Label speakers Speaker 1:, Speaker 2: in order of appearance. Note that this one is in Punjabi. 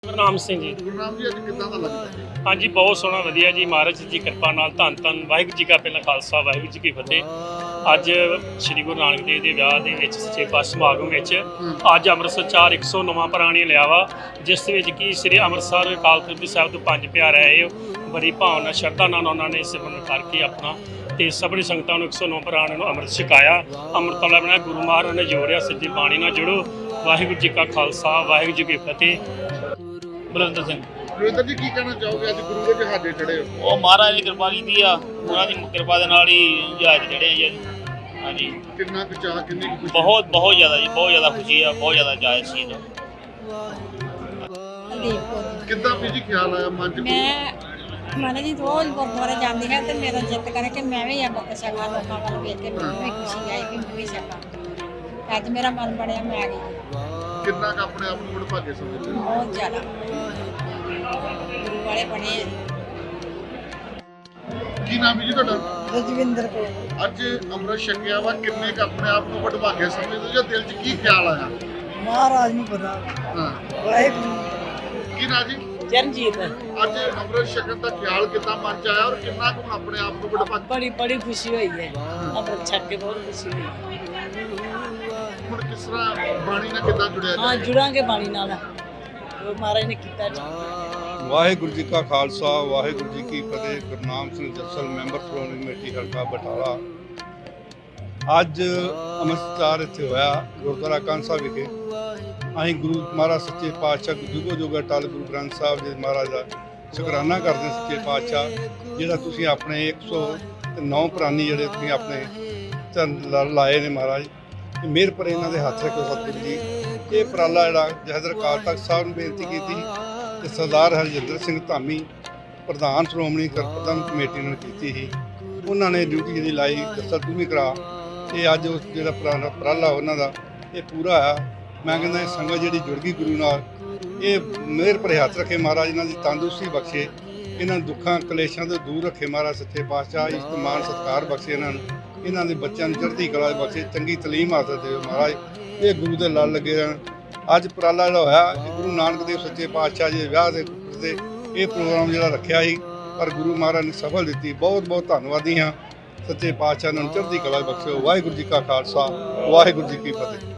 Speaker 1: ਗੁਰਨਾਮ ਸਿੰਘ ਜੀ।
Speaker 2: ਗੁਰਨਾਮ ਜੀ, ਅੱਜ ਕਿੱਦਾਂ ਦਾ ਲੱਗਦਾ?
Speaker 1: ਹਾਂਜੀ, ਬਹੁਤ ਸੋਹਣਾ ਵਧੀਆ ਜੀ। ਮਹਾਰਾਜ ਜੀ ਕਿਰਪਾ ਨਾਲ ਧੰਨ ਧੰਨ ਵਾਹਿਗੁਰੂ ਜੀ ਕਾ ਪਹਿਲਾ ਖਾਲਸਾ ਵਾਹਿਗੁਰੂ ਜੀ ਕੀ ਫਤਿਹ। ਅੱਜ ਸ੍ਰੀ ਗੁਰੂ ਨਾਨਕ ਦੇਵ ਦੇ ਵਿਆਹ ਦੇ ਵਿੱਚ ਸੱਚੇ ਪਾਤਸ਼ਾਹ ਸਮਾਗਮ ਵਿੱਚ ਅੱਜ ਅੰਮ੍ਰਿਤਸਰ 109ਵਾਂ ਪ੍ਰਾਣੀ ਲਿਆ ਵਾ, ਜਿਸ ਵਿੱਚ ਕਿ ਸ੍ਰੀ ਅੰਮ੍ਰਿਤਸਰ ਅਕਾਲ ਤਖਤ ਸਾਹਿਬ ਤੋਂ ਪੰਜ ਪਿਆਰੇ ਆਏ। ਬੜੀ ਭਾਵਨਾ ਸ਼ਰਧਾ ਨਾਲ ਉਹਨਾਂ ਨੇ ਸਿਮਰਨ ਕਰਕੇ ਆਪਣਾ ਤੇ ਸਭਨੀ ਸੰਗਤਾਂ ਨੂੰ 109 ਪ੍ਰਾਣ ਨੂੰ ਅੰਮ੍ਰਿਤ ਛਕਾਇਆ। ਅੰਮ੍ਰਿਤ ਵਾਲਾ ਬਣਿਆ ਗੁਰੂ ਮਹਾਰਾਜ ਨੇ ਜੋੜਿਆ, ਸਿੱਧੀ ਬਾਣੀ ਨਾਲ ਜੁੜੋ। ਵਾਹਿਗੁਰੂ ਜੀ ਕਾ ਖਾਲਸਾ ਵਾਹਿਗੁਰੂ ਜੀ ਕੀ ਫਤਿਹ। ਬਲਵੰਤ ਸਿੰਘ।
Speaker 2: ਰਵਿੰਦਰ ਜੀ, ਕੀ ਕਹਿਣਾ ਚਾਹੋਗੇ? ਅੱਜ ਗੁਰੂ ਦੇ ਜਹਾਜ਼ੇ ਚੜ੍ਹੇ ਹੋ।
Speaker 3: ਉਹ ਮਹਾਰਾਜ ਦੀ ਕਿਰਪਾ ਕੀਤੀ ਆ, ਉਹਨਾਂ ਦੀ ਕਿਰਪਾ ਦੇ ਨਾਲ ਹੀ ਜਹਾਜ਼ ਚੜ੍ਹੇ ਆ ਜੀ। ਹਾਂਜੀ,
Speaker 2: ਕਿੰਨਾ ਕੁ ਚਾਅ, ਕਿੰਨੀ ਕੁ ਖੁਸ਼ੀ?
Speaker 3: ਬਹੁਤ ਜ਼ਿਆਦਾ ਜੀ, ਬਹੁਤ ਜ਼ਿਆਦਾ ਖੁਸ਼ੀ ਆ, ਬਹੁਤ ਜ਼ਿਆਦਾ ਜਹਾਜ਼ ਸੀ ਜੀ।
Speaker 2: ਕਿੱਦਾਂ ਵੀ ਜੀ ਖਿਆਲ ਆਇਆ ਮਨ 'ਚ?
Speaker 4: ਮੈਂ ਮਨ ਜੀ ਰੋਜ਼ ਗੁਰਦੁਆਰੇ ਜਾਂਦੀ ਹਾਂ ਤੇ ਮੇਰਾ ਜਿੱਤ ਕਰੇ ਕਿ ਮੈਂ ਵੀ ਅੰਮ੍ਰਿਤ ਛਕਾਂ, ਲੋਕਾਂ ਵੱਲ ਵੇਖ ਕੇ ਮੈਨੂੰ ਵੀ ਖੁਸ਼ੀ ਆਈ ਕਿ ਮੈਂ ਵੀ ਛਕਾਂ। ਅੱਜ ਮੇਰਾ ਮਨ ਬਣਿਆ, ਮੈਂ ਆ ਗਈ।
Speaker 2: ਕਿੰਨਾ ਕੁ ਆਪਣੇ ਆਪ ਨੂੰ ਵਡਭਾਗੇ ਸਮਝਦੇ ਹੋ?
Speaker 4: ਬਹੁਤ ਜ਼ਿਆਦਾ ਗੁਰੂ ਵਾਲੇ ਬਣੇ ਆ।
Speaker 2: ਕੀ ਨਾਮ ਹੈ ਜੀ ਤੁਹਾਡਾ?
Speaker 4: ਰਜਵਿੰਦਰ ਕੌਰ।
Speaker 2: ਅੱਜ ਅੰਮ੍ਰਿਤ ਛਕਿਆ ਵਾ, ਕਿੰਨੇ ਕੁ ਆਪਣੇ ਆਪ ਨੂੰ ਵਡਭਾਗੇ ਸਮਝਦੇ ਹੋ ਜਾਂ ਦਿਲ 'ਚ ਕੀ ਖਿਆਲ ਆਇਆ?
Speaker 4: ਮਹਾਰਾਜ ਨੂੰ ਪਤਾ।
Speaker 2: ਹਾਂ,
Speaker 4: ਵਾਹਿਗੁਰੂ।
Speaker 2: ਕੀ ਨਾ ਜੀ?
Speaker 4: ਚਰਨਜੀਤ।
Speaker 2: ਅੱਜ ਅੰਮ੍ਰਿਤ ਛਕਣ ਦਾ ਖਿਆਲ ਕਿੱਦਾਂ ਮਨ 'ਚ ਆਇਆ ਔਰ ਕਿੰਨਾ ਕੁ ਆਪਣੇ ਆਪ ਨੂੰ ਵਡਭਾਗੇ?
Speaker 4: ਬੜੀ ਖੁਸ਼ੀ ਹੋਈ ਹੈ ਅੰਮ੍ਰਿਤ ਛਕ ਕੇ, ਬਹੁਤ ਖੁਸ਼ੀ ਹੋਈ।
Speaker 2: ਹੁਣ ਕਿਸ ਤਰ੍ਹਾਂ ਬਾਣੀ ਨਾਲ ਕਿੱਦਾਂ ਜੁੜਿਆ
Speaker 4: ਹਾਂ,
Speaker 2: ਜਾਏ?
Speaker 4: ਜੁੜਾਂਗੇ ਬਾਣੀ ਨਾਲ, ਉਹ ਮਹਾਰਾਜ ਨੇ ਕੀਤਾ ਜੀ।
Speaker 5: ਵਾਹਿਗੁਰੂ ਜੀ ਕਾ ਖਾਲਸਾ ਵਾਹਿਗੁਰੂ ਜੀ ਕੀ ਫਤਿਹ। ਗੁਰਨਾਮ ਸਿੰਘ ਜੱਸਲ, ਮੈਂਬਰ ਸ਼੍ਰੋਮਣੀ ਕਮੇਟੀ ਹਲਕਾ ਬਟਾਲਾ। ਅੱਜ ਅੰਮ੍ਰਿਤਸਰ ਇੱਥੇ ਹੋਇਆ ਗੁਰਦੁਆਰਾ ਕੰਨ ਸਾਹਿਬ ਵਿਖੇ। ਅਸੀਂ ਗੁਰੂ ਮਹਾਰਾਜ ਸੱਚੇ ਪਾਤਸ਼ਾਹ ਜੁਗੋ ਜੁਗ ਅਟਲ ਗੁਰੂ ਗ੍ਰੰਥ ਸਾਹਿਬ ਜੀ ਮਹਾਰਾਜ ਦਾ ਸ਼ੁਕਰਾਨਾ ਕਰਦੇ ਸੱਚੇ ਪਾਤਸ਼ਾਹ, ਜਿਹੜਾ ਤੁਸੀਂ ਆਪਣੇ 109 ਪ੍ਰਾਨੀ ਜਿਹੜੇ ਤੁਸੀਂ ਆਪਣੇ ਚਰਨ ਲਾਏ ਨੇ ਮਹਾਰਾਜ, ਮਿਹਰ ਪਰ ਇਹਨਾਂ ਦੇ ਹੱਥ ਰੱਖੋ ਸਤਿਗੁਰੂ ਜੀ। ਇਹ ਉਪਰਾਲਾ ਜਿਹੜਾ ਜਹਦਰ ਅਕਾਲ ਤਖਤ ਸਾਹਿਬ ਨੂੰ ਬੇਨਤੀ ਕੀਤੀ ਤੇ ਸਰਦਾਰ ਹਰਜਿੰਦਰ ਸਿੰਘ ਧਾਮੀ ਪ੍ਰਧਾਨ ਸ਼੍ਰੋਮਣੀ ਗੁਰਪ੍ਰਬੰਧਕ ਕਮੇਟੀ ਨੂੰ ਕੀਤੀ ਸੀ। ਉਹਨਾਂ ਨੇ ਡਿਊਟੀ ਜਿਹੜੀ ਲਾਈ, ਦੱਸਾ ਤੂੰ ਵੀ ਕਰਾ। ਇਹ ਅੱਜ ਉਸ ਜਿਹੜਾ ਉਪਰਾਲਾ ਉਹਨਾਂ ਦਾ ਇਹ ਪੂਰਾ ਆ। ਮੈਂ ਕਹਿੰਦਾ ਇਹ ਸੰਗਤ ਜਿਹੜੀ ਜੁੜ ਗਈ ਗੁਰੂ ਨਾਲ, ਇਹ ਮਿਹਰ ਭਰੇ ਹੱਥ ਰੱਖੇ ਮਹਾਰਾਜ, ਇਹਨਾਂ ਦੀ ਤੰਦਰੁਸਤੀ ਬਖਸ਼ੇ, ਇਹਨਾਂ ਦੁੱਖਾਂ ਕਲੇਸ਼ਾਂ ਤੋਂ ਦੂਰ ਰੱਖੇ ਮਹਾਰਾਜ ਸੱਚੇ ਪਾਤਸ਼ਾਹ। ਇੱਜ਼ਤ ਮਾਣ ਸਤਿਕਾਰ ਬਖਸ਼ੇ ਇਹਨਾਂ ਨੂੰ, ਇਹਨਾਂ ਦੇ ਬੱਚਿਆਂ ਨੂੰ ਚੜ੍ਹਦੀ ਕਲਾ ਬਖਸ਼ੇ, ਚੰਗੀ ਤਾਲੀਮ ਹਾਸਲ ਦਿਓ ਮਹਾਰਾਜ। ਇਹ ਗੁਰੂ ਦੇ ਲੜ ਲੱਗੇ ਰਹਿਣ। ਅੱਜ ਉਪਰਾਲਾ ਜਿਹੜਾ ਹੋਇਆ, ਇਹ ਗੁਰੂ ਨਾਨਕ ਦੇਵ ਸੱਚੇ ਪਾਤਸ਼ਾਹ ਜੀ ਦੇ ਵਿਆਹ ਦੇ ਇਹ ਪ੍ਰੋਗਰਾਮ ਜਿਹੜਾ ਰੱਖਿਆ ਸੀ, ਪਰ ਗੁਰੂ ਮਹਾਰਾਜ ਨੇ ਸਫਲ ਦਿੱਤੀ। ਬਹੁਤ ਬਹੁਤ ਧੰਨਵਾਦੀ ਹਾਂ ਸੱਚੇ ਪਾਤਸ਼ਾਹ ਨੂੰ ਚੜ੍ਹਦੀ ਕਲਾ ਬਖਸ਼ਿਓ। ਵਾਹਿਗੁਰੂ ਜੀ ਕਾ ਖਾਲਸਾ ਵਾਹਿਗੁਰੂ ਜੀ ਕੀ ਫਤਿਹ।